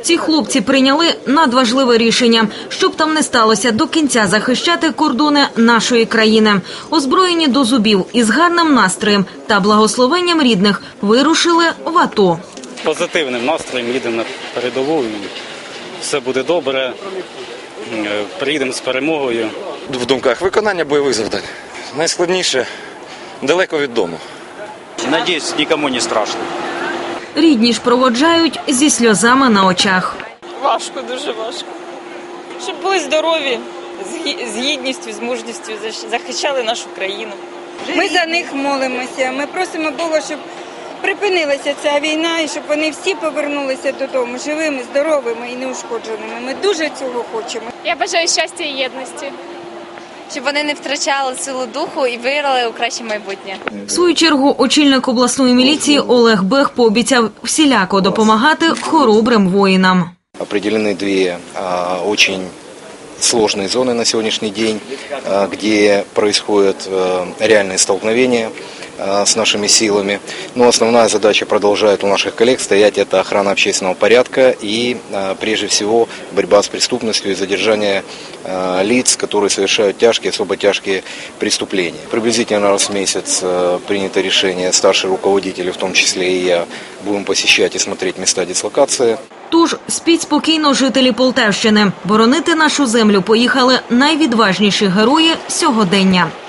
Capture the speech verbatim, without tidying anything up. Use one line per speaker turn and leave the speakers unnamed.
Ці хлопці прийняли надважливе рішення, щоб там не сталося, до кінця захищати кордони нашої країни. Озброєні до зубів із гарним настроєм та благословенням рідних вирушили в АТО.
Позитивним настроєм їдемо на передову, і все буде добре, приїдемо з перемогою.
В думках виконання бойових завдань. Найскладніше – далеко від дому.
Надіюсь, нікому не страшно.
Рідні ж проводжають зі сльозами на очах.
Важко, дуже важко. Щоб були здорові, з гідністю, з мужністю захищали нашу країну.
Ми за них молимося, ми просимо Бога, щоб припинилася ця війна і щоб вони всі повернулися додому живими, здоровими і неушкодженими. Ми дуже цього хочемо.
Я бажаю щастя і єдності, щоб вони не втрачали силу духу і вирвали у краще майбутнє.
В свою чергу очільник обласної міліції Олег Бех пообіцяв всіляко допомагати хоробрим воїнам.
Определены две а, очень сложные зоны на сегодняшний день, а, где происходят а, реальные столкновения а, с нашими силами. Но основная задача продолжает у наших коллег стоять – это охрана общественного порядка и, а, прежде всего, борьба с преступностью и задержание а, лиц, которые совершают тяжкие, особо тяжкие преступления. Приблизительно раз в месяц а, принято решение, старшие руководители, в том числе и я, будем посещать и смотреть места дислокации.
Тож спіть спокійно, жителі Полтавщини. Боронити нашу землю поїхали найвідважніші герої сьогодення.